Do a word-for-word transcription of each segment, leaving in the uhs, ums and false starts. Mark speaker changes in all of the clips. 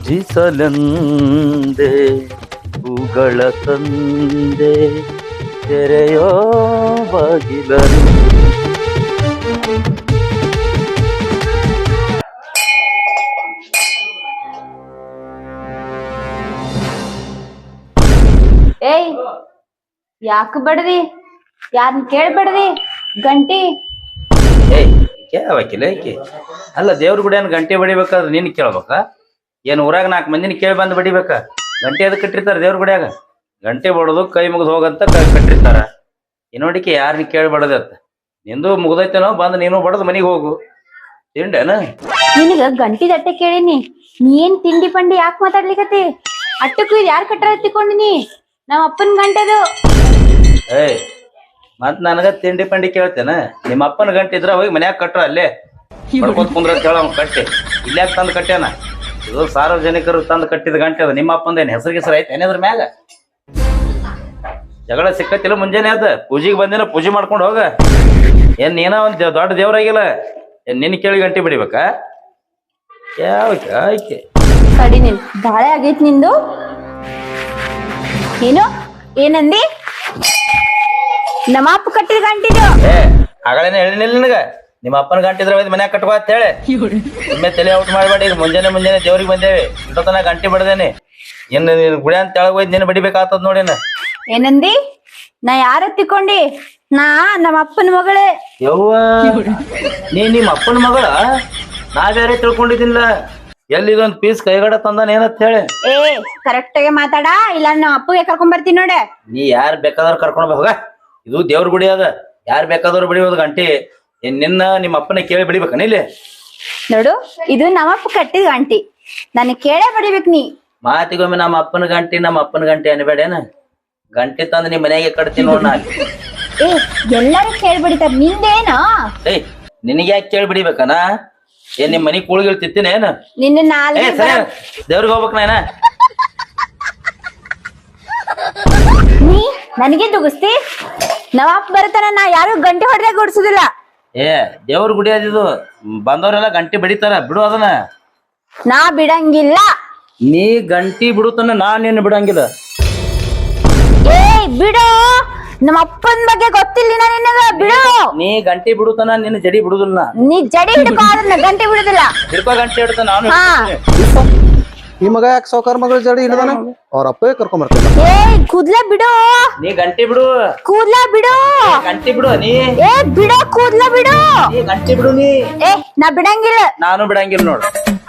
Speaker 1: ಭಜಿಸಲೆಂದೆ ಹೂಗಳ ತಂದೆ ತೆರೆಯೋ ಬಾಗಿಲನು.
Speaker 2: ಏಯ್ ಯಾಕ ಬಡದಿ? ಯಾರನ್ನ ಕೇಳ್ಬೇಡ್ದಿ ಗಂಟಿ.
Speaker 1: ಏಯ್ ಕೇಳಬೇಕಿಲ್ಲ ಏಕೆ? ಅಲ್ಲ ದೇವ್ರ ಗುಡಿ ಏನ್ ಗಂಟೆ ಬಡಿಬೇಕಾದ್ರೆ ನಿನ್ ಕೇಳ್ಬೇಕ? ಏನ್ ಊರಾಗ ನಾಲ್ಕು ಮಂದಿನ ಕೇಳಿ ಬಂದು ಬಡಿಬೇಕ? ಗಂಟೆ ಅದಕ್ಕೆ ಕಟ್ಟಿರ್ತಾರ ದೇವ್ರ ಗುಡಿಯಾಗ. ಗಂಟೆ ಬಡೋದು ಕೈ ಮುಗಿದು ಹೋಗಂತ ಕಟ್ಟಿರ್ತಾರ. ಇನ್ನೋಡಿಕೆ ಯಾರನ್ನ ಕೇಳ್ಬಾರ್ದತ್ತ. ನಿಂದು ಮುಗ್ದೈತೇನೋ ಬಂದು ನೀನು ಬಡದು ಮನಿಗೆ ಹೋಗು. ತಿಂಡೇನ?
Speaker 2: ನಿನಗ ಗಂಟಿ ದಟ್ಟೆ ಕೇಳಿನಿ, ನೀ ಏನ್ ತಿಂಡಿ ಪಂಡಿ ಯಾಕೆ ಮಾತಾಡ್ಲಿಕತಿ? ಅಟ್ಟಕ್ಕೂ ಇದು ಯಾರು ಕಟ್ಟಾರ ಎತ್ತಿಕೊಂಡಿನಿ? ನಮ್ಮ ಅಪ್ಪನ ಗಂಟೆದು.
Speaker 1: ಏಯ್ ಮತ್ ನನಗ ತಿಂಡಿ ಪಂಡಿ ಕೇಳ್ತೇನ? ನಿಮ್ಮ ಅಪ್ಪನ ಗಂಟೆ ಇದ್ರ ಹೋಗಿ ಮನ್ಯಾಗ ಕಟ್ರ ಅಲ್ಲೇ ಬರ್ಕೋತ್ ಕುಂದ್ರ ಕೇಳ ಕಟ್ಟಿ. ಇಲ್ಯಾಕ ತಂದು ಕಟ್ಟ್ಯಾನ? ಇದು ಸಾರ್ವಜನಿಕರು ತಂದು ಕಟ್ಟಿದ ಗಂಟೆ ಅದ. ನಿಮ್ಮ ಅಪ್ಪಂದೇನು ಹೆಸರು ಗಿಸರು ಐತೆ ಏನಾದ್ರ ಮ್ಯಾಗ? ಜಗಳ ಸಿಕ್ಕತ್ತಿಲ್ಲ ಮುಂಜಾನೆ ಅದ. ಪೂಜೆಗೆ ಬಂದಿನ ಪೂಜೆ ಮಾಡ್ಕೊಂಡು ಹೋಗ. ಏನ್ ನೀನ ಒಂದ್ ದೊಡ್ಡ ದೇವ್ರಾಗಿಲ್ಲ ಏನ್ ನಿನ್ ಕೇಳಿ ಗಂಟೆ ಬಿಡಿಬೇಕಾ? ಯಾವ ಆಯ್ಕೆ
Speaker 2: ಕಡಿ ನಿನ್ ಗಾಳೆ ಆಗೈತ್ ನಿಂದು. ಏನು ಏನಂದಿ? ನಮ್ಮ ಅಪ್ಪ ಕಟ್ಟಿದ ಗಂಟಿದು.
Speaker 1: ಏ ಆಗಳೇನ ಹೇಳಿನಿಲ್ಲ ನಿನಗ? ನಿಮ್ಮ ಅಪ್ಪನ ಗಂಟೆ ಇದ್ರ ಮನ್ಯಾಗ ಕಟ್ಕೋ ಅಂತ ಹೇಳಿ. ನಿಮ್ಮೆ ತಲೆ ಔಟ್ ಮಾಡ್ಬೇಡಿ. ಈಗ ಮುಂಜಾನೆ ಮುಂಜಾನೆ ದೇವ್ರಿಗೆ ಬಂದೇವಿ, ಇಂಟತನ ಗಂಟೆ ಬಡ್ದೇನಿ. ಇನ್ನು ನೀನ್ ಗುಡಿ ಅಂತ ತೆಳಗ್ ಹೋಯ್ತು ನೀನು ಬಡಿಬೇಕಾಗ್ತದ ನೋಡಿನ.
Speaker 2: ಏನಂದಿ? ನಾ ಯಾರ ತಿಕ್ಕೊಂಡಿ? ನಾ ನಮ್ಮ ಅಪ್ಪನ ಮಗಳೇ.
Speaker 1: ಯವ್ವ ನೀ ನಿಮ್ಮ ಅಪ್ಪನ ಮಗಳ? ನಾ ಬೇರೆ ತಿಳ್ಕೊಂಡಿದ್ದಿಲ್ಲ. ಎಲ್ಲಿ ಇದೊಂದ್ ಪೀಸ್ ಕೈಗಡ ತಂದಾನ ಏನಂತ ಹೇಳಿ.
Speaker 2: ಏ ಕರೆಕ್ಟ್ ಆಗಿ ಮಾತಾಡ, ಇಲ್ಲ ನಮ್ಮ ಅಪ್ಪಗೆ ಕರ್ಕೊಂಡ್ ಬರ್ತೀನಿ ನೋಡ.
Speaker 1: ನೀ ಯಾರ್ ಬೇಕಾದವ್ರು ಕರ್ಕೊಂಡ್ ಹೋಗ. ಇದು ದೇವ್ರ ಗುಡಿ ಅದ, ಯಾರ್ ಬೇಕಾದವ್ರು ಬಡಿಯೋದು ಗಂಟೆ. ಏನ್ ನಿನ್ನ ನಿಮ್ಮ ಅಪ್ಪನ ಕೇಳಿ ಬಡಿಬೇಕನ ಇಲ್ಲಿ?
Speaker 2: ನೋಡು, ಇದು ನಮ್ಮಪ್ಪ ಕಟ್ಟಿದ ಗಂಟಿ, ನನಗ್ ಕೇಳೇ ಬಡಿಬೇಕ್ ನೀ.
Speaker 1: ಮಾತಿಗೊಮ್ಮೆ ನಮ್ಮ ಅಪ್ಪನ ಗಂಟೆ ನಮ್ಮ ಅಪ್ಪನ ಗಂಟೆ ಅನ್ಬೇಡೇನ? ಗಂಟೆ ತಂದು ನಿಮ್ ಮನೆಗೆ ಕಟ್ತೀನಿ ನೋಡ್ ನಾ.
Speaker 2: ಏ ಎಲ್ಲರೂ ಕೇಳಿ ಬಡಿತಾರ, ನಿಂದೇನ?
Speaker 1: ಏಯ್ ನಿನಗೆ ಯಾಕೆ ಕೇಳಿ ಬಿಡಿಬೇಕನ? ಏನ್ ನಿಮ್ ಮನಿ ಕೂಳಿಗಳು ತಿತ್ತೀನಿ ಏನ?
Speaker 2: ನಿನ್ನ ನಾಲ್ಗೆ
Speaker 1: ದೇವ್ರಿಗೆ ಹೋಗ್ಬೇಕ ನಾಯನ.
Speaker 2: ನೀ ನನಗೆ ದುಗಿಸ್ತಿ? ನವಾಪ್ ಬರ್ತಾನ, ನಾ ಯಾರು ಗಂಟೆ ಹೊಡೆದಾಗ ಗುಡ್ಸುದಿಲ್ಲ.
Speaker 1: ಏ ದೇವ್ರ ಗುಡಿ ಅದಿದು, ಬಂದವ್ರೆಲ್ಲ ಗಂಟೆ ಬಡಿತಾರ, ಬಿಡು ಅದನ್ನ.
Speaker 2: ನಾ ಬಿಡಂಗಿಲ್ಲ.
Speaker 1: ನೀ ಗಂಟಿ ಬಿಡುತ್ತಾನ, ನಾ ನಿನ್ನ ಬಿಡಂಗಿಲ್ಲ.
Speaker 2: ಏ ಬಿಡು, ನಮ್ಮ ಅಪ್ಪನ ಬಗ್ಗೆ ಗೊತ್ತಿಲ್ಲ ನಿನಗ, ಬಿಡು.
Speaker 1: ನೀ ಗಂಟೆ ಬಿಡುತ್ತಾನ, ನಿನ್ನ ಜಡಿ ಬಿಡುದಿಲ್ಲ.
Speaker 2: ನೀ ಜಡಿ ಹಿಡ್ಕೊ, ಅದನ್ನ ಗಂಟೆ ಬಿಡುದಿಲ್ಲ.
Speaker 1: ಹಿಡ್ಕೊ ಗಂಟೆ ಹಿಡ್ತ ನಾನು.
Speaker 2: ಹಾ
Speaker 3: ಈ ಮಗ ಯಾಕೆ ಸಾವುಕಾರ ಮಗಳ ಜಡಿ ಹಿಡ್ದಾನ? ಅವ್ರ ಅಪ್ಪಗೆ ಕರ್ಕೊಂಡ್ ಬರ್ತೀನಿ.
Speaker 2: ಏ ಕೂದ್ಲ ಬಿಡು.
Speaker 1: ನೀ ಗಂಟೆ ಬಿಡು.
Speaker 2: ಕೂದ್ಲ ಬಿಡು.
Speaker 1: ಗಂಟೆ ಬಿಡು ನೀ.
Speaker 2: ಏ ಬಿಡು, ಕೂದ್ಲ ಬಿಡು.
Speaker 1: ನೀ ಗಂಟೆ ಬಿಡು ನೀ.
Speaker 2: ಏ ನಾ ಬಿಡಂಗಿಲ್ಲ.
Speaker 1: ನಾನು ಬಿಡಂಗಿಲ್ಲ ನೋಡು.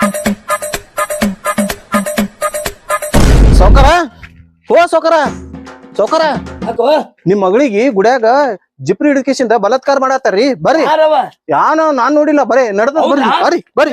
Speaker 3: ಸಾವುಕಾರ, ಓ ಸಾವುಕಾರ, ಸಾವುಕಾರ, ನಿಮ್ ಮಗಳಿಗೆ ಗುಡ್ಯಾಗ ಜಿಪ್ರಿ ಹಿಡಿಕೇಶಿಂದ ಬಲಾತ್ಕಾರ ಮಾಡತ್ತಾರ್ರಿ. ಬರ್ರಿ. ಯಾನೋ ನಾನ್ ನೋಡಿಲ್ಲ, ಬರೇ ನಡ್ದ. ಬರ್ರಿ ಬರ್ರಿ ಬರ್ರಿ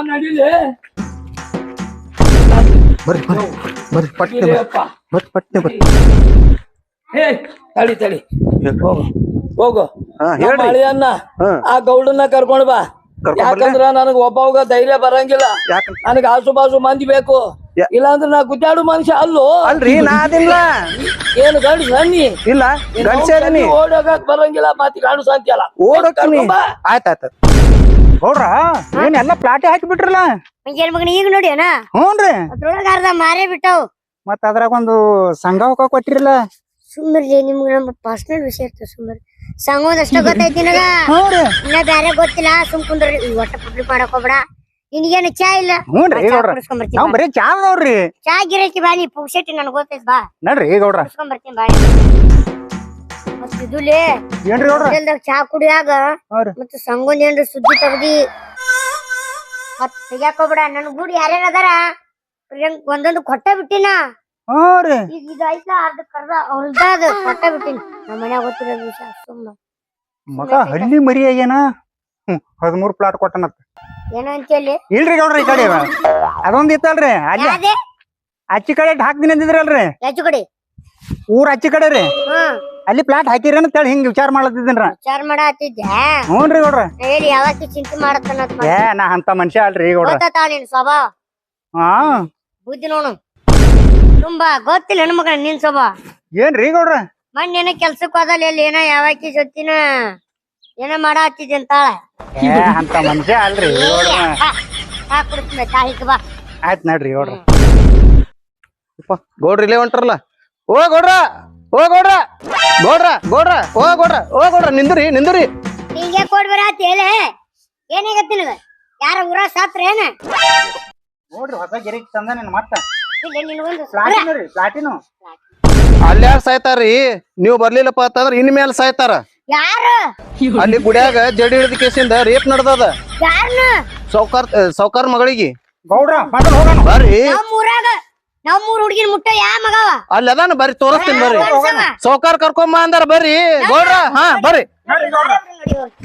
Speaker 3: ಬರ್ರಿ ಬರ್ರಿ ಬರ್ರಿ ಪಟ್ನೆ ಬರ್ರಿ ಪಟ್ನೆ ಬರ್ರಿ.
Speaker 4: ಹೇ ತಡಿ ತಡಿ ಹೋಗು ಹೋಗು.
Speaker 3: ಹಾ ಹೇಳ್ರಿ
Speaker 4: ಅಣ್ಣ,
Speaker 3: ಹಾ
Speaker 4: ಆ ಗೌಡನ್ನ ಕರ್ಕೊಂಡ್ ಬಾ.
Speaker 3: ಕರ್ಕೊಂಡ್ ಬರ್ಲೆ?
Speaker 4: ಯಾಕಂದ್ರ ನನಗ್ ಒಬ್ಬವಾಗ ಧೈರ್ಯ ಬರಂಗಿಲ್ಲ.
Speaker 3: ಯಾಕ
Speaker 4: ನನಗ್ ಆಸು ಬಾಸು ಮಂದಿ ಬೇಕು.
Speaker 3: ಯಾ-
Speaker 4: ಇಲ್ಲಾಂದ್ರ ನಾ ಗುದ್ದಾಡು ಮನುಷ್ಯ ಅಲ್ಲೋ.
Speaker 3: ಅಲ್ರಿ ನಾ ಅದಿಲ್ಲ.
Speaker 4: ಏನು ಗಂಡು ಸನ್ನಿ
Speaker 3: ಇಲ್ಲ ಗಂಡ್ಸೆ ಅದೀನಿ.
Speaker 4: ಓಡೋಗಕ್ ಬರಂಗಿಲ್ಲ, ಮತ್ತೆ ಗಂಡು ಸಂತಿಯಲ್ಲ.
Speaker 3: ಓಡೋಕ್ತೀನಿ. ಆಯ್ತ ಆಯ್ತ ನೋಡ್ರ ಏನ್ ಎಲ್ಲಾ ಪ್ಲಾಟೆ ಹಾಕಿ ಬಿಟ್ರಲ್ಲ.
Speaker 5: ಮುಂಜಾನೆ ಮಗನ ಈಗ ನೋಡಿ ಅಣ್ಣ,
Speaker 3: ಹ್ಞೂನ್ರಿ.
Speaker 5: ಅದ್ರೊಳಗ ಅರ್ಧ ಮಾರೇ ಬಿಟ್ಟವು.
Speaker 3: ಮತ್ತ ಅದ್ರಾಗ ಒಂದು ಸಂಘ ಹೋಗ ಕೊಟ್ಟಿರಲ್ಲ.
Speaker 5: ಸುಮ್ಮರ್ಲಿ, ನಿಮ್ಗೆ ನಮ್ಮ ಪರ್ಸನಲ್ ವಿಷಯ ಇರ್ತದೆ. ಸುಮ್ಮರ್ ಸಂಘದ ಅಷ್ಟ ಗೊತ್ತೈತಿ ನನಗ,
Speaker 3: ಹ್ಞೂನ್ರಿ.
Speaker 5: ಇನ್ನ ಬ್ಯಾರೆ ಗೊತ್ತಿಲ್ಲ. ಸುಮ್ ಕುಂದ್ರಿ, ಈ ಒಟ್ಟ ಪಬ್ಲಿಕ್ ಮಾಡಕ್ ಹೋಗ್ಬೇಡ. ನಿನಗೇನು ಚಾ ಇಲ್ಲ?
Speaker 3: ಹ್ಞೂನ್ರಿ ಗೌಡ್ರ,
Speaker 5: ಕುಡಿಸ್ಕೊಂಬರ್ತೀನಿ
Speaker 3: ನಾವ್ ಬರೀ ಚಾ ನೋಡ್ರಿ.
Speaker 5: ಚಾ ಗಿರಕಿ ಬಾ, ನೀ ಪುಗ್ಸೆಟ್ಟಿ ನನಗ್ ಗೊತ್ತೈತಿ ಬಾ,
Speaker 3: ನಡ್ರಿ ಗೌಡ್ರ.
Speaker 5: ಕುಡಿಸ್ಕೊಂಬರ್ತೀನಿ ಬಾ. ಮತ್ ಇದುಲೇ
Speaker 3: ಏನ್ರಿ ಗೌಡ್ರ?
Speaker 5: ಹೋಟೆಲ್ದಾಗ ಚಾ ಕುಡಿಯಾಗ
Speaker 3: ಹ್ಞೂರಿ.
Speaker 5: ಮತ್ತ ಸಂಘದ ಏನ್ರ ಸುದ್ದಿ ತಗದಿ ಮತ್ ತೆಗ್ಯಾಕ್ ಹೋಗ್ಬೇಡ. ನನ್ ಗೂಡಿ ಯಾರ್ಯಾರ ಅದಾರ ಒಂದೊಂದು ಕೊಟ್ಟ ಬಿಟ್ಟಿನ.
Speaker 3: ಹ್ಞೂರಿ.
Speaker 5: ಈಗ ಇದು ಐತ ಅರ್ಧ ಕರ್ದ ಹೊಲ್ದಾದ ಕೊಟ್ಟ ಬಿಟ್ಟಿನಿ. ನಮ್ಮ ಮನ್ಯಾಗ ಗೊತ್ತಿರೋ ವಿಷಯ. ಸುಮ್ಮ
Speaker 3: ಮಗ ಹಳ್ಳಿ ಮರಿ ಆಗ್ಯಾನ. ಹ್ಮ್ ಹದಿಮೂರ್ ಪ್ಲಾಟ್ ಕೊಟ್ಟನತ್ತ.
Speaker 5: ಏನೋ ಅಂತೇಳಿ
Speaker 3: ಇಲ್ರಿ ಗೌಡ್ರ, ಈ ಕಡೆ ಅದೊಂದ್ ಇತ್ತಲ್ರಿ ಅಲ್ಲಿ
Speaker 5: ಯಾವ್ದೇ
Speaker 3: ಅಚ್ಚಿ ಕಡೆ ಹಾಕ್ತೀನಿ ಅಂದಿದ್ರಲ್ರಿ.
Speaker 5: ಹೆಚ್ಚು ಕಡೆ
Speaker 3: ಊರ್ ಅಚ್ಚಿ ಕಡೆ ರೀ,
Speaker 5: ಹ್ಮ್
Speaker 3: ಅಲ್ಲಿ ಪ್ಲಾಟ್ ಹಾಕಿರಿ ಅಂತ ಹೇಳಿ ಹಿಂಗ್ ವಿಚಾರ ಮಾಡ್ಲತ್ತಿದ್ದೀನ್ರ.
Speaker 5: ವಿಚಾರ ಮಾಡತ್ತಿದ್ದೆ.
Speaker 3: ಹ್ಞೂನ್ರಿ ಗೌಡ್ರ.
Speaker 5: ಹೇಳಿ ಯಾವತ್ತಿ ಚಿಂತೆ ಮಾಡತ್ತನ
Speaker 3: ಏ ನಾ ಅಂತ ಮನುಷ್ಯ ಅಲ್ರಿ ಗೌಡ್ರ.
Speaker 5: ಗೊತ್ತಾವ ನಿನ್ ಸ್ವಭಾವ
Speaker 3: ಹಾ
Speaker 5: ಬುದ್ಧಿ ನೋಡು ತುಂಬಾ ಗೊತ್ತಿಲ್ಲ ನನ್ನ ಮಗನ ನಿನ್ ಸ್ವಭಾವ.
Speaker 3: ಏನ್ರಿ ಗೌಡ್ರ?
Speaker 5: ಮೊನ್ನೆ ಏನೋ ಕೆಲ್ಸಕ್ ಹೋದಲ್ಲ, ಎಲ್ಲಿ ಏನೋ ಯಾವಾಕಿ ಜೊತಿನ ಏನೋ ಮಾಡ ಹತ್ತಿದ್ದೆ ಅಂತಾಳ.
Speaker 3: ಏ ಅಂತ ಮನುಷ್ಯ ಅಲ್ರಿ ಗೌಡ್ರ.
Speaker 5: ಚಾ ಕುಡಿಸ್ತೀನಿ, ಚಾ ಹಿಕ್ ಬಾ.
Speaker 3: ಆಯ್ತ್ ನಡ್ರಿ ಗೌಡ್ರ. ಗೌಡ್ರ ಇಲ್ಲೇ ಹೊಂಟ್ರಲ್ಲ ಓ ಗೌಡ್ರ ಓ ಗೌಡ್ರ ಗೌಡ್ರ ಗೌಡ್ರ ಓ ಗೌಡ್ರ ಓ ಗೌಡ್ರ ನಿಂದ್ರಿ ನಿಂದ್ರಿ
Speaker 5: ನಿಂಗೆ ಕೊಡ್ ಬರತ್ ಹೇಳಿ ಏನಾಗತ್ತಿ ನಿನಗ ಯಾರ ಊರ ಸಾತ್ರ ಏನ
Speaker 6: ನೋಡ್ರಿ ಹೊಸ ಗಿರಿಕ್ ತಂದ ನಿನ್ ಮತ್ತ
Speaker 5: ಇಲ್ಲ ನಿನಗೊಂದು
Speaker 6: ಪ್ಲಾಟಿನ ರೀ ಪ್ಲಾಟಿನು
Speaker 3: ಅಲ್ಲಿ ಯಾರು ಸಾಯ್ತಾರ್ರಿ ನೀವು ಬರ್ಲಿಲ್ಲಪ್ಪ ಅಂತಂದ್ರ ಇನ್ ಮೇಲೆ ಸಾಯ್ತಾರ
Speaker 5: ಯಾರು
Speaker 3: ಅಲ್ಲಿ ಗುಡ್ಯಾಗ ಜಡಿ ಹಿಡಿದ ಕೇಸಿಂದ ರೇಪ್ ನಡ್ದದ
Speaker 5: ಯಾರನ್ನ
Speaker 3: ಸೌಕಾರ್ ಸೌಕಾರ್ ಮಗಳಿಗೆ
Speaker 6: ಗೌಡ್ರ ಮೊದಲು ಹೋಗೋಣ
Speaker 3: ಬರ್ರಿ
Speaker 5: ನಮ್ ಊರಾಗ ನಮ್ ಊರ್ ಹುಡುಗಿನ ಮುಟ್ಟ ಯಾ ಮಗವ
Speaker 3: ಅಲ್ಲಿ ಅದಾನ ಬರ್ರಿ ತೋರಿಸ್ತೀನಿ ಬರ್ರಿ
Speaker 5: ತೋರ್ಸವ.
Speaker 3: ಸೌಕಾರ್ ಕರ್ಕೊಂಬ ಅಂದಾರ ಬರ್ರಿ ಗೌಡ್ರ ಹಾ ಬರ್ರಿ
Speaker 6: ನೋಡ್ರಿ ಗೌಡ್ರ
Speaker 5: ನೋಡಿ ಹೋಗ್.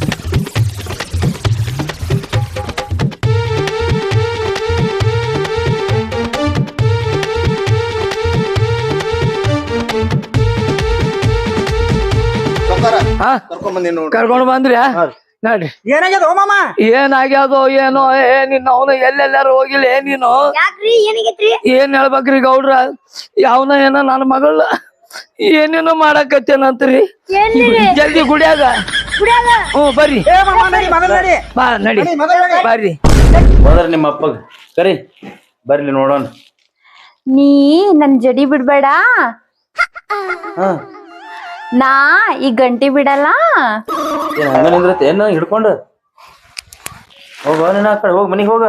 Speaker 3: ಸೌಕಾರ
Speaker 4: ಹಾ
Speaker 3: ಕರ್ಕೊಂಡ್ ಬಂದಿ ನೋಡ್ರಿ
Speaker 4: ಕರ್ಕೊಂಡು ಬಂದ್ರಿ ನೋಡ್ರಿ
Speaker 6: ಏನಾಗ್ಯದ ಓ ಮಾಮ
Speaker 4: ಏನಾಗ್ಯಾದೋ ಏನೋ ಏ ನಿನ್ನ ಅವನು ಎಲ್ಲೆಲ್ಲಾರು ಹೋಗಿಲ್ಲ ಏ ನೀನು
Speaker 5: ಯಾಕ್ರಿ ಏನಾಗೈತ್ರಿ
Speaker 4: ಏನ್ ಹೇಳ್ಬೇಕ್ರಿ ಗೌಡ್ರ ಯಾವನ ಏನ ನನ್ನ ಮಗಳ ಏನೇನೋ ಮಾಡಾಕತ್ತೇನಂತ್ರಿ
Speaker 5: ಎಲ್ಲಿ
Speaker 4: ಜಲ್ದಿ ಗುಡ್ಯಾಗ
Speaker 5: ಕುಡಿಯಾಗ
Speaker 4: ಹ್ಞೂ ಬರ್ರಿ
Speaker 6: ಏ ಮಾಮ ನಡಿ ಮೊದಲು ನಡಿ
Speaker 4: ಬಾ ನಡಿ
Speaker 6: ನಡಿ ಮೊದಲು ನಡಿ
Speaker 4: ಬರ್ರಿ
Speaker 1: ಹೋದ್ರ ನಿಮ್ಮ ಅಪ್ಪಗ ಕರಿ ಬರ್ಲಿ ನೋಡೋಣ.
Speaker 2: ನೀ ನನ್ ಜಡಿ ಬಿಡ್ಬೇಡ
Speaker 1: ಹಾ
Speaker 2: ನಾ ಈ ಗಂಟಿ ಬಿಡಲ್ಲ.
Speaker 1: ಏನ್ ಹಂಗ ನಿಂದ್ರತ್ತೆ ಏನ ಹಿಡ್ಕೊಂಡು ಹೋಗ ನೀನ್ ಆ ಕಡೆ ಹೋಗ್ ಮನಿಗ್ ಹೋಗ.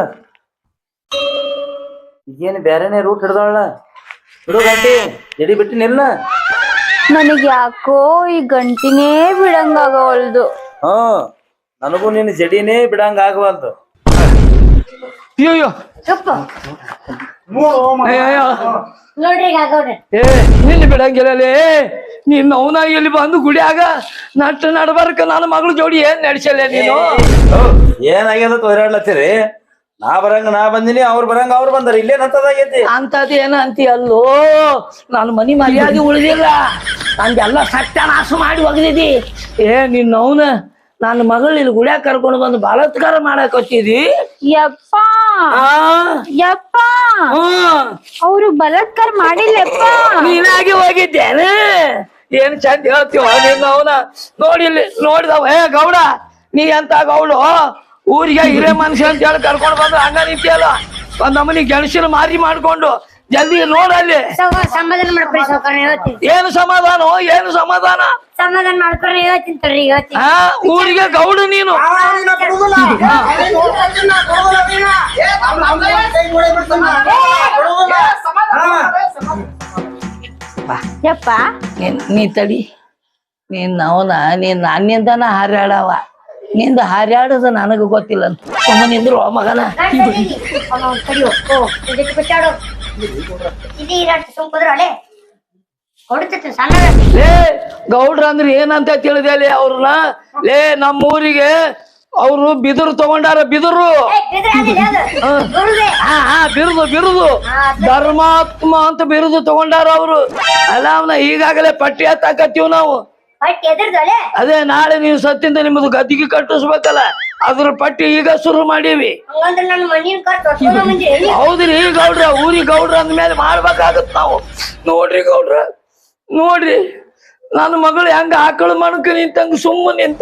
Speaker 1: ಈಗೇನು ಬ್ಯಾರೆನೆ ರೂಟ್ ಹಿಡ್ದಾಳ ಬಿಡು ಗಂಟಿ ಜಡಿ ಬಿಟ್ಟಿನಿಲ್ಲ.
Speaker 2: ನನಗ್ ಯಾಕೋ ಈ ಗಂಟಿನೇ ಬಿಡಂಗಾಗವಲ್ದು.
Speaker 1: ಹಾ ನನಗೂ ನಿನ್ನ ಜಡಿನೇ ಬಿಡಂಗ ಆಗವಲ್ದು.
Speaker 4: ಅಯ್ಯೋ
Speaker 5: ಚುಪ್ಪ
Speaker 6: ನೋಡು ಓ ಮಾಮ
Speaker 4: ಅಯ್ಯೋ
Speaker 5: ನೋಡ್ರಿ ಈಗ ಗೌಡ್ರಿ
Speaker 4: ಏ ನಿನ್ನ ಬಿಡಂಗಿಲ್ಲಲೇ ನಿನ್ನ ಅವನ ಇಲ್ಲಿ ಬಂದು ಗುಡಿಯಾಗ ನಟ್ಟು ನಡ್ಬರ್ಕ ನನ್ನ ಮಗಳು ಜೋಡಿ ಏನ್ ನಡ್ಸಲ್ಲ ನೀನು
Speaker 1: ಏನಾಗ್ಯದ ತೊಯ್ರಾಡ್ಲತ್ತೀರಿ? ನಾ ಬರಂಗ ನಾ ಬಂದಿನಿ, ಅವ್ರ ಬರಂಗ ಅವ್ರು ಬಂದಾರ. ಇಲ್ಲೇ ನತ್ತದಾಗೈತಿ
Speaker 4: ಅಂತದ್ ಏನ ಅಂತಿ ಅಲ್ಲೋ ನಾನು ಮನಿ ಮರ್ಯಾದೆ ಉಳಿದಿಲ್ಲ ನಂದೆಲ್ಲ ಸತ್ಯನಾಶ ಮಾಡಿ ಒಗದಿದಿ. ಏ ನಿನ್ನ ಅವನ ನನ್ನ ಮಗಳು ಇಲ್ಲಿ ಗುಡಿಯಾಗ ಕರ್ಕೊಂಡು ಬಂದು ಬಲಾತ್ಕಾರ ಮಾಡಕ್ ಹಚ್ಚಿದಿ.
Speaker 2: ಯಪ್ಪ
Speaker 4: ಆ
Speaker 2: ಯಪ್ಪ
Speaker 4: ಹ್ಮ್
Speaker 2: ಅವ್ರು ಬಲಾತ್ಕಾರ ಮಾಡಿಲ್ಲಪ್ಪ.
Speaker 4: ನೀನಾಗಿ ಹೋಗಿದ್ದೇನೆ ಏನ್ ಚಂದ ಹೇಳ್ತೀವ ನಿನ್ನ ಅವನ ನೋಡಿಲ್ಲಿ ನೋಡಿದವ ಏ ಗೌಡ ನೀ ಅಂತ ಗೌಡು ಊರಿಗೆ ಹಿರೇ ಮನುಷ್ಯ ಅಂತ ಹೇಳಿ ಕರ್ಕೊಂಡು ಬಂದು ಹಂಗ ನಿಂತಿಯಲ್ಲ ಒಂದ್ ನಮ್ಮನಿ ಗೆಣಸಿನ ಮಾರಿ ಮಾಡ್ಕೊಂಡು ಜಲ್ದಿ ನೋಡಲ್ಲಿ
Speaker 5: ಸೌ- ಸಮಾಧಾನ ಮಾಡ್ಕೊರಿ ಸೌಕರ್ಯ ಹೇಳ್ತೀನಿ
Speaker 4: ಏನು ಸಮಾಧಾನ ಏನು ಸಮಾಧಾನ
Speaker 5: ಸಮಾಧಾನ ಮಾಡ್ಕೊರಿ ಹೇಳ್ತೀನಿ ತಡ್ರಿ ಹೇಳ್ತೀನಿ
Speaker 4: ಆ ಊರಿಗೆ ಗೌಡು ನೀನು
Speaker 6: ಅವನ ಕೊಡುದಿಲ್ಲ ಅವನ ಹೋಗ್ತಾನ ಕೊಡುದಿಲ್ಲ ನೀನ ಅವನ ಅವನ ಕೈ ನೋಡಿ ಬಿಡ್ತಾನ ಕೊಡುದಿಲ್ಲ ಹಾ
Speaker 2: ಯಪ್ಪ
Speaker 4: ನೀನ್ ನೀ ತಡಿ ನೀನ್ ಅವನ ನೀನ್ ನನ್ನಿಂದನ ಹಾರ್ಯಾಡವ ನಿಂದ ಹಾರ್ಯಾಡೋದು ನನಗ ಗೊತ್ತಿಲ್ಲ ಅಂತ ಸುಮ್ಮನೆ ನಿಂದ್ರು ಮಗನ
Speaker 5: ಕಡಿಯೋ ಓ ಇದಕ್ಕೆ ಬಿಟ್ಟಾಡು ಇದು ಇರಾಟ ಸುಮ್ಕುದ್ರ ಅಲೆ ಹೊಡಿತೈತಿ ಸಣ್ಣ
Speaker 4: ಲೇ ಗೌಡ್ರ ಅಂದ್ರೆ ಏನಂತ ತಿಳಿದೆ ಲೇ ಅವ್ರನ್ನ ಲೇ ನಮ್ಮ ಊರಿಗೆ ಅವ್ರು ಬಿದಿರು ತಗೊಂಡಾರ ಬಿದಿರು ಹಾ ಹಾ ಬಿರುದು ಬಿರುದು ಧರ್ಮಾತ್ಮ ಅಂತ ಬಿರುದು ತಗೊಂಡಾರ ಅವ್ರು ಅಲ್ಲ ಅವನ ಈಗಾಗಲೇ ಪಟ್ಟಿ ಹತ್ತಾಕತ್ತೀವ್ ನಾವು ಅದೇ ನಾಳೆ ನೀವು ಸತ್ತಿಂದ ನಿಮ್ಮದು ಗದ್ದಿಗೆ ಕಟ್ಟಿಸ್ಬೇಕಲ್ಲ ಅದ್ರ ಪಟ್ಟಿ ಈಗ ಶುರು ಮಾಡೀವಿ. ಹೌದ್ರಿ ಗೌಡ್ರ ಊರಿಗೆ ಗೌಡ್ರ ಅಂದ್ಮೇಲೆ ಮಾಡ್ಬೇಕಾಗತ್ ನಾವು. ನೋಡ್ರಿ ಗೌಡ್ರ ನೋಡ್ರಿ ನನ್ನ ಮಗಳು ಹೆಂಗ ಆಕಳು ಮಣಕ ನಿಂತಂಗ ಸುಮ್ಮನೆ ನಿಂತ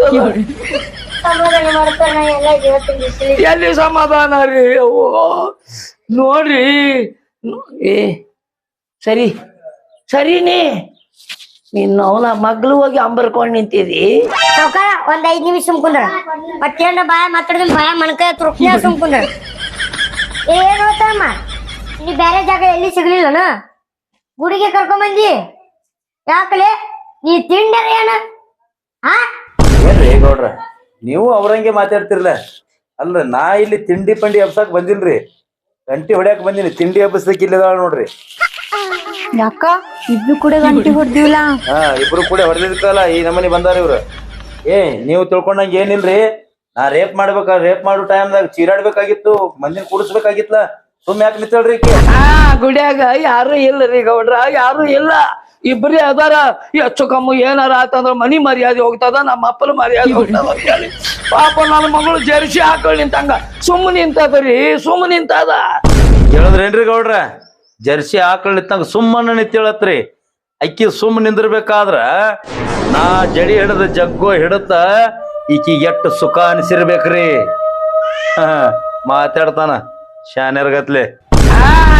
Speaker 4: ಎಲ್ಲಿ ಸಮಾಧಾನ ರೀ ಅವ್ವ ನೋಡ್ರಿ ಏ ಸರಿ ಸರಿನಿ ನಿನ್ನ ಅವನ ಮಗ್ಳು ಹೋಗಿ ಅಂಬರ್ಕೊಂಡ್ ನಿಂತಿದಿ.
Speaker 5: ಸಾವ್ಕಾರ ಒಂದ್ ಐದ್ ನಿಮಿಷ ಸುಮ್ಕುಂದ್ರ ಮತ್ತೇನ ಬಾಯ ಮಾತಾಡಿದ ಬಾಯ ಮಣಕ ತುರುಕ್ನ ಸುಮ್ಕುಂದ್ರ ಏನ್ ಹೋತಮ್ಮ ನೀ ಬೇರೆ ಜಾಗ ಎಲ್ಲಿ ಸಿಗ್ಲಿಲ್ಲನ ಗುಡಿಗೆ ಕರ್ಕೊಂಡ್ ಬಂದಿ ಯಾಕಲೆ ನೀ ತಿಂಡರ ಏನ ಹಾ
Speaker 1: ಏನ್ರಿ ಗೌಡ್ರ ನೀವು ಅವ್ರಂಗೆ ಮಾತಾಡ್ತಿರ್ಲ ಅಲ್ರಿ ನಾ ಇಲ್ಲಿ ತಿಂಡಿ ಪಂಡಿ ಹಬ್ಸಕ್ ಬಂದಿಲ್ರಿ, ಗಂಟಿ ಹೊಡ್ಯಾಕ್ ಬಂದಿನಿ. ತಿಂಡಿ ಹಬ್ಬಸಕ್ ಇಲ್ಲದಾಳ ನೋಡ್ರಿ.
Speaker 2: ಯಾಕ ಇಬ್ರು ಕೂಡ ಗಂಟಿ ಹೊಡ್ದಿವಲ್ಲ.
Speaker 1: ಹಾ ಇಬ್ರು ಕೂಡ ಹೊಡೆದಿರ್ಕಲ್ಲ ಈ ನಮ್ಮನಿ ಬಂದಾರ ಇವ್ರು. ಏ ನೀವು ತಿಳ್ಕೊಂಡಂಗ ಏನಿಲ್ರಿ, ನಾ ರೇಪ್ ಮಾಡ್ಬೇಕ ರೇಪ್ ಮಾಡೋ ಟೈಮ್ದಾಗ ಚೀರಾಡ್ಬೇಕಾಗಿತ್ತು, ಮಂದಿನ ಕೂಡಿಸ್ಬೇಕಾಗಿತ್ಲ. ಸುಮ್ ಯಾಕೆ ನಿಂತಳ್ರಿ
Speaker 4: ಹಾ ಗುಡಿಯಾಗ ಯಾರು ಇಲ್ಲರಿ ಗೌಡ್ರ ಯಾರು ಇಲ್ಲ, ಇಬ್ರೇ ಅದಾರ. ಹೆಚ್ಚು ಕಮ್ಮು ಏನಾರ ಆತಂದ್ರ ಮನಿ ಮರ್ಯಾದೆ ಹೋಗ್ತದ, ನಮ್ಮ ಅಪ್ಪನ ಮರ್ಯಾದೆ ಹೋಗ್ತದ ಅಂತ ಹೇಳಿ ಪಾಪ ನನ್ನ ಮಗಳು ಜರ್ಸಿ ಹಾಕೊಳ್ಳಿ ನಿಂತಂಗ ಸುಮ್ಮ ನಿಂತದ್ರಿ ಸುಮ್ಮ ನಿಂತದ.
Speaker 1: ಹೇಳಿದ್ರೇನ್ರಿ ಗೌಡ್ರ, ಜರ್ಸಿ ಆಕಳ ನಿಂತಂಗ ಸುಮ್ಮನ ನಿಂತೇಳತ್ರಿ. ಅಕ್ಕಿ ಸುಮ್ಮ ನಿಂದಿರ್ಬೇಕಾದ್ರ ನಾ ಜಡಿ ಹಿಡದ ಜಗ್ಗೋ ಹಿಡತ ಈಕಿ ಎಟ್ಟು ಸುಖ ಅನಿಸಿರ್ಬೇಕ್ರಿ. ಹ ಮಾತಾಡ್ತಾನ ಶಾನ್ಯರ್ಗತ್ಲೆ.
Speaker 4: ಹಾ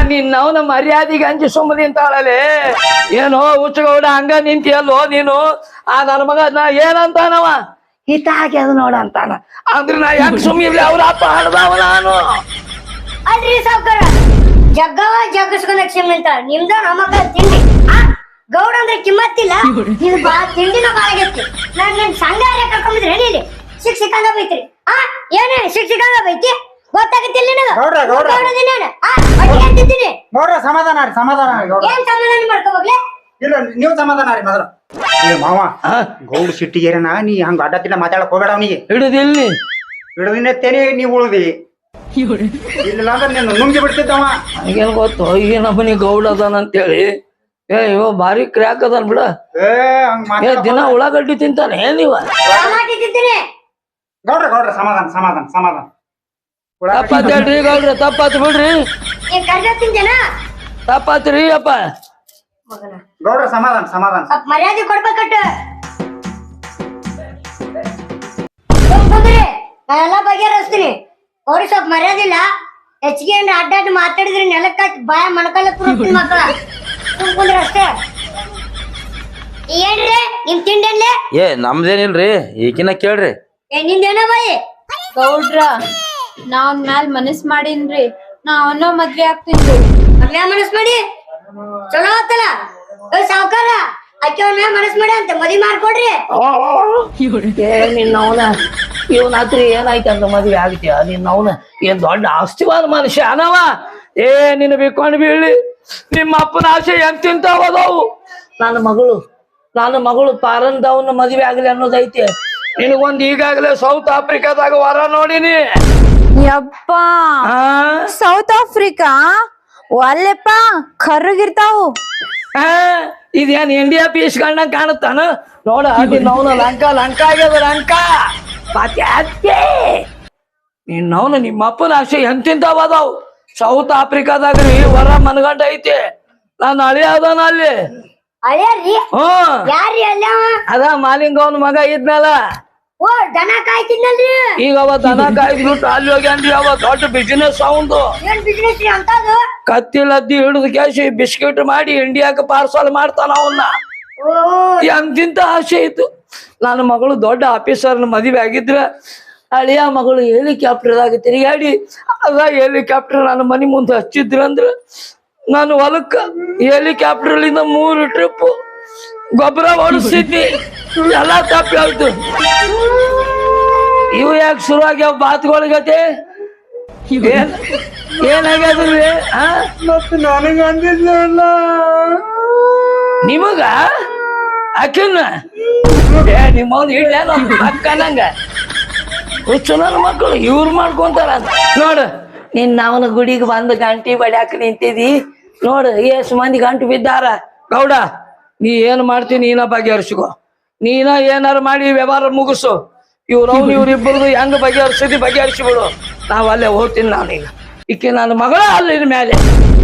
Speaker 4: ನಿನ್ನ ಅವನ ಮರ್ಯಾದೆಗೆ ಅಂಜಿ ಸುಮ್ಮನೆ ನಿಂತಾಳಲೆ ಏನೋ ಹುಚ್ಚಗೌಡ ಹಂಗ ನಿಂತಿಯಲ್ಲೋ ನೀನು ಆ ನನ್ನ ಮಗ ನಾ ಏನಂತಾನವ ಹಿತ ಹಾಕ್ಯದ ನೋಡ ಅಂತಾನ ಅಂದ್ರೆ ನಾ ಯಾಕೆ ಸುಮ್ಮಿರ್ಲಿ ಅವ್ರ ಅಪ್ಪ ಹಡ್ದವ ನಾನು
Speaker 5: ಅಲ್ರಿ ಸಾವ್ಕಾರ ಜಗ್ಗವ ಜಗ್ಗಸ್ಕೊಂಡ ಕ್ಷಮೆ ಅಂತ ನಿಮ್ದ ನಮಗ ತಿಂಡಿ ಆ ಗೌಡ ಅಂದ್ರೆ ಕಿಮ್ಮತ್ತಿಲ್ಲ ನೀವು ಬಾ ತಿಂಡಿನ ಬಾಳಾಗೈತಿ ನಾನ್ ನಿಮ್ ಸಂಘ ಕರ್ಕೊಂಬಿದ್ರಿ ಹೇಳಿ ಸಿಕ್ ಸಿಕ್ಕಂಗ ಬೈತ್ರಿ ಆ ಏನೇ ಸಿಕ್ ಸಿಕ್ಕಂಗ ಬೈತಿ ಗೊತ್ತಾಗತ್ತಿಲ್ಲ ನಿನಗ
Speaker 6: ಗೌಡ್ರ, ಗೌಡ್ರ.
Speaker 5: ಗೌಡದಿನ ನಾನು. ಆ ಹೊಟ್ಟೆ ಅಂತಿದ್ದೀನಿ
Speaker 6: ನೋಡ್ರ ಸಮಾಧಾನ ರೀ ಸಮಾಧಾನ ರೀ ಗೌಡ್ರ.
Speaker 5: ಏನ್ ಸಮಾಧಾನ ಮಾಡ್ಕೋಬೋಗ್ಲೆ
Speaker 6: ಇಲ್ಲ ನೀವು ಸಮಾಧಾನ ರೀ ಮೊದಲು ಏ ಮಾವ ಗೌಡ ಸಿಟ್ಟಿಗೇರನ ನೀ ಹಂಗ ಅಡ್ಡತ್ತಿಲ್ಲ ಮಾತಾಡಕ್ ಹೋಗ್ಬೇಡ ಅವನಿಗೆ
Speaker 4: ಹಿಡಿದಿಲ್ಲಿ
Speaker 6: ಹಿಡಿದಿನತ್ತೇನೆ ನೀವ್ ಉಳ್ದಿ ಇಲ್ಲ ಅಂದ್ರೆ ನೀನು ನುಂಗಿ ಬಿಡ್ತಿದ್ದವ
Speaker 4: ನನಗೇನು ಗೊತ್ತು ಈ ನಮ್ಮನಿ ಗೌಡ ಅದಾನ ಅಂತೇಳಿ ಏ ಇವ ಭಾರಿ ಕ್ರ್ಯಾಕ್ ಅದಾನ ಬಿಡ
Speaker 6: ಏ ಹಂಗ
Speaker 4: ಏ ದಿನ ಉಳ್ಳಾಗಡ್ಡಿ ತಿಂತಾನೆ ಏನ್ ಇವ
Speaker 5: ಮಾಡಿದ್ದೀನಿ
Speaker 6: ಗೌಡ್ರ ಗೌಡ್ರ ಸಮಾಧಾನ ಸಮಾಧಾನ ಸಮಾಧಾನ
Speaker 4: ತಪ್ಪಾತ್ ಹೇಳ್ರಿ ಗೌಡ್ರ ತಪ್ಪಾತ್ ಬಿಡ್ರಿ
Speaker 5: ನೀನ್ ಕರ್ದ ತಿಂತೇನ
Speaker 4: ತಪ್ಪಾತ್ರಿ ಅಪ್ಪ
Speaker 5: ಮಗನ
Speaker 6: ಗೌಡ್ರ ಸಮಾಧಾನ ಸಮಾಧಾನ
Speaker 5: ಸ್ವಲ್ಪ ಮರ್ಯಾದೆ ಕೊಡ್ಬೇಕಟ್ಟ ಕುಂದ್ರಿ ನಾ ಎಲ್ಲಾ ಬಗೆಹರಿಸ್ತೀನಿ ಅವ್ರಿಗೆ ಸ್ವಲ್ಪ ಮರ್ಯಾದೆ ಇಲ್ಲ ಹೆಚ್ಚಿಗೆ ಏನ್ರ ಅಡ್ಡಾಡ್ ಮಾತಾಡಿದ್ರೆ ನೆಲಕ್ಕ ಬಾಯ ಮಣಕಲ್ಲ ತುರುಕ್ತೀನಿ ಮಕ್ಕಳ ಕುಂದ್ರಿ ಅಷ್ಟೇ ಏನ್ರಿ ನಿಮ್ ತಿಂಡೇನ್ಲೆ
Speaker 1: ಏ ನಮ್ದೇನಿಲ್ರಿ ಈಕಿನ ಕೇಳ್ರಿ
Speaker 5: ಏ ನಿಂದೇನ ಬಾಯಿ
Speaker 2: ಗೌಡ್ರ ನಾವ್ ಮ್ಯಾಲ್ ಮನಸ್ ಮಾಡೀನ್ರಿ ನಾ ಅವನೋ ಮದ್ವೆ ಆಗ್ತೀನಿ
Speaker 5: ಮದ್ವೆ ಮನಸ್ ಮಾಡಿ ಚಲೋ ಆತಲ್ಲ ಏ ಸಾವ್ಕಾರ ಅಕ್ಕಿ ಅವ್ನ ಮನಸ್ ಮಾಡಿ ಅಂತ ಮದ್ವಿ ಮಾಡ್ಕೊಡ್ರಿ
Speaker 4: ಏ ನಿನ್ನ ಅವನ ಇವನ್ ಹತ್ರ ಏನಾಯ್ತಂತ ಮದ್ವೆ ಆಗ್ತೀಯ ನಿನ್ನ ಅವನ ಏನ್ ದೊಡ್ಡ ಆಸ್ತಿವಾದ ಮನುಷ್ಯ ಅನವ ಏ ನಿನ್ನ ಬಿಕ್ಕೊಂಡು ಬೀಳಿ ನಿಮ್ಮ ಅಪ್ಪನ ಆಸೆ ಎಂತ ತಿಂತಾವದವು ನನ್ನ ಮಗಳು ನನ್ನ ಮಗಳು ಪಾರಂದವನ್ನ ಮದ್ವೆ ಆಗ್ಲಿ ಅನ್ನೋದೈತಿ ನಿನಗೊಂದ್ ಈಗಾಗಲೇ ಸೌತ್ ಆಫ್ರಿಕಾದಾಗ ವರ ನೋಡಿನಿ
Speaker 2: ಯಪ್ಪ
Speaker 4: ಆ
Speaker 2: ಸೌತ್ ಆಫ್ರಿಕಾ ಒಲ್ಲೆಪ್ಪ ಕರ್ರಗಿರ್ತಾವು
Speaker 4: ಆ, ಇದೇನ್ ಇಂಡಿಯಾ ಪೀಸ್ ಕಂಡಂಗ್ ಕಾಣುತ್ತಾನ ನೋಡ ನಿನ್ನವನ ಲಂಕಾ ಲಂಕಾ ಆಗ್ಯದ ಲಂಕಾ ಮತ್ತೆ ಅತ್ತೆ ನಿನ್ನವನ ನಿಮ್ಮ ಅಪ್ಪನ ಆಸೆ ಎಂತಿಂತಾವದಾವ್ ಸೌತ್ ಆಫ್ರಿಕಾದಾಗ್ರಿ ವರ ಮನಗಂಡ ಐತಿ ನಾನು ಅಳಿ ಅದಾನ ಅಲ್ಲಿ
Speaker 5: ಅಳ್ಯಾರ್ರಿ
Speaker 4: ಹ್ಮ್
Speaker 5: ಯಾರ್ರಿ ಅಲ್ಲ
Speaker 4: ಅದ ಮಾಲಿಂಗವನ ಮಗ ಇದ್ನಲ್ಲ
Speaker 5: ಓ ದನ ಕಾಯ್ತಿದ್ನಲ್ರಿ
Speaker 4: ಈಗ ಅವ ದನ ಕಾಯ್ದ್ಬಿಟ್ಟು ಅಲ್ಲಿ ಹೋಗ್ಯಾನ್ರಿ ಅವ ದೊಡ್ಡ ಬಿಸಿನೆಸ್ ಅವಂದು
Speaker 5: ಏನ್ ಬಿಸ್ನೆಸ್ ರೀ ಅಂತದು
Speaker 4: ಕತ್ತಿ ಲದ್ದಿ ಹಿಡಿದು ಕ್ಯಾಶಿ ಬಿಸ್ಕಿಟ್ ಮಾಡಿ ಇಂಡಿಯಾಕ್ಕೆ ಪಾರ್ಸಲ್ ಮಾಡ್ತಾನ ಅವನ್ನ
Speaker 5: ಓ
Speaker 4: ಎಂತಿಂತ ಆಸೆ ಇತ್ತು ನನ್ನ ಮಗಳು ದೊಡ್ಡ ಆಫೀಸರ್ನ ಮದುವೆ ಆಗಿದ್ರ ಅಳಿಯ ಮಗಳು ಹೆಲಿಕಾಪ್ಟರ್ದಾಗ ತಿರುಗಾಡಿ ಅದ ಹೆಲಿಕಾಪ್ಟರ್ ನನ್ನ ಮನೆ ಮುಂದೆ ಹಚ್ಚಿದ್ರಂದ್ರ ನಾನು ಹೊಲಕ್ಕ ಹೆಲಿಕಾಪ್ಟರ್ಲಿಂದ ಮೂರು ಟ್ರಿಪ್ ಗೊಬ್ಬರ ಹೊಡಿಸಿದ್ನಿ ಎಲ್ಲಾ ತಪ್ಪಿ ಆಯ್ತು ಇವು ಯಾಕೆ ಶುರು ಆಗ್ಯಾವ ಬಾತ್ಗಳಿಗತೆ ಏನ್ ಏನಾಗ್ಯದ್ರಿ ಆ
Speaker 6: ಮತ್ತೆ ನನಗೆ ಅಂದಿದ್ಲ
Speaker 4: ನಿಮಗ ಅಕ್ಕನ್ನ ಏ ನಿಮ್ಮವ್ನ ಇಡ್ಲೇನ ಅಕ್ಕನಂಗ ಹುಚ್ಚು ನನ್ನ ಮಕ್ಕಳು ಇವ್ರು ಮಾಡ್ಕೊಂತಾರ ಅಂತ ನೋಡು ನಿನ್ನ ಅವನ ಗುಡಿಗೆ ಬಂದು ಗಂಟಿ ಬಡ್ಯಾಕ ನಿಂತಿದಿ ನೋಡು ಎಷ್ಟು ಮಂದಿ ಗಂಟು ಬಿದ್ದಾರ ಗೌಡ ನೀ ಏನ್ ಮಾಡ್ತೀನಿ ನೀನ ಬಗೆಹರಿಸಿಕೋ ನೀನ ಏನಾರು ಮಾಡಿ ವ್ಯವಹಾರ ಮುಗಿಸು ಇವ್ರವ್ನು ಇವ್ರಿಬ್ಬರದು ಹೆಂಗ್ ಬಗೆಹರಿಸಿದಿ ಬಗೆಹರಿಸಿ ಬಿಡು ನಾವ್ ಅಲ್ಲೇ ಹೋಗ್ತೀನಿ ನಾನೀಗ ಈಕೆ ನನ್ನ ಮಗಳ ಅಲ್ಲಿನ ಮೇಲೆ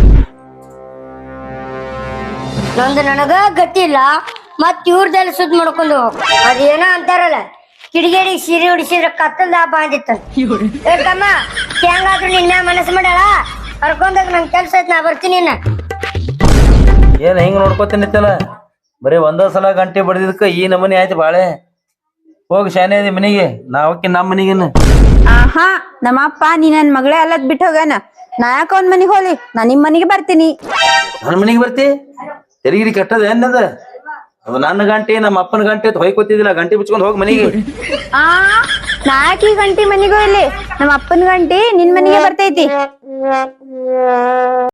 Speaker 5: ನಂದು ನನಗ ಗತಿ ಇಲ್ಲ ಮತ್ ಇವ್ರದೆಲ್ಲ ಸುದ್ ಮಾಡ್ಕೊಂಡು ಅದೇನೋ ಅಂತಾರಲ್ಲ ಕಿಡಿಗೇಡಿ ಸೀರೆ ಉಡಿಸಿದ್ರ ಕತ್ತಲ್ದ ಹಬ್ಬ ಅಂದಿತ್ತ ಹೇಳ್ತಮ್ಮ ಹೆಂಗಾದ್ರು ನಿನ್ನ ಮನಸ್ಸು ಮಾಡಲ್ಲ ಕರ್ಕೊಂಡೋಗ್ ನಂಗೆ ಕೆಲ್ಸ ಐತ್ ನಾ ಬರ್ತೀನಿ ಇನ್ನ
Speaker 1: ಏನ್ ಹಿಂಗ್ ನೋಡ್ಕೊತೀನಿತ್ತಲ್ಲ ಬರೀ ಒಂದ ಸಲ ಗಂಟೆ ಬಡ್ದಿದ್ಕ ಈ ನಮನಿ ಆಯ್ತು ಬಾಳೆ ಹೋಗಿ ಶಾನೆ ಅದಿ ಮನಿಗೆ ನಾವಕ್ಕಿ ನಮ್ಮ ಮನಿಗೇನ
Speaker 2: ಆಹಾ ನಮ್ಮಪ್ಪ ನೀ ನನ್ ಮಗಳೇ ಅಲ್ಲದ್ ಬಿಟ್ಟು ಹೋಗ್ಯಾನ ನಾ ಯಾಕ ಅವ್ನ ಮನಿಗ್ ಹೋಗ್ಲಿ ನಾ ನಿಮ್ ಮನಿಗೆ ಬರ್ತೀನಿ
Speaker 1: ನನ್ನ ಮನಿಗೆ ಬರ್ತಿ ತೆರಿಗಿರಿ ಕೆಟ್ಟದ ಏನದ ಅದು ನನ್ನ ಗಂಟೆ ನಮ್ಮ ಅಪ್ಪನ ಗಂಟೆ ಹೊಯ್ಕೊತಿದ್ದಿಲ್ಲ ಗಂಟೆ ಬಿಚ್ಕೊಂಡ್ ಹೋಗಿ ಮನಿಗೆ
Speaker 2: ಆ ನಾ ಯಾಕೆ ಈ ಗಂಟಿ ಮನಿಗೂ ಇಲ್ಲಿ ನಮ್ಮ ಅಪ್ಪನ ಗಂಟಿ ನಿನ್ ಮನಿಗೆ ಬರ್ತೈತಿ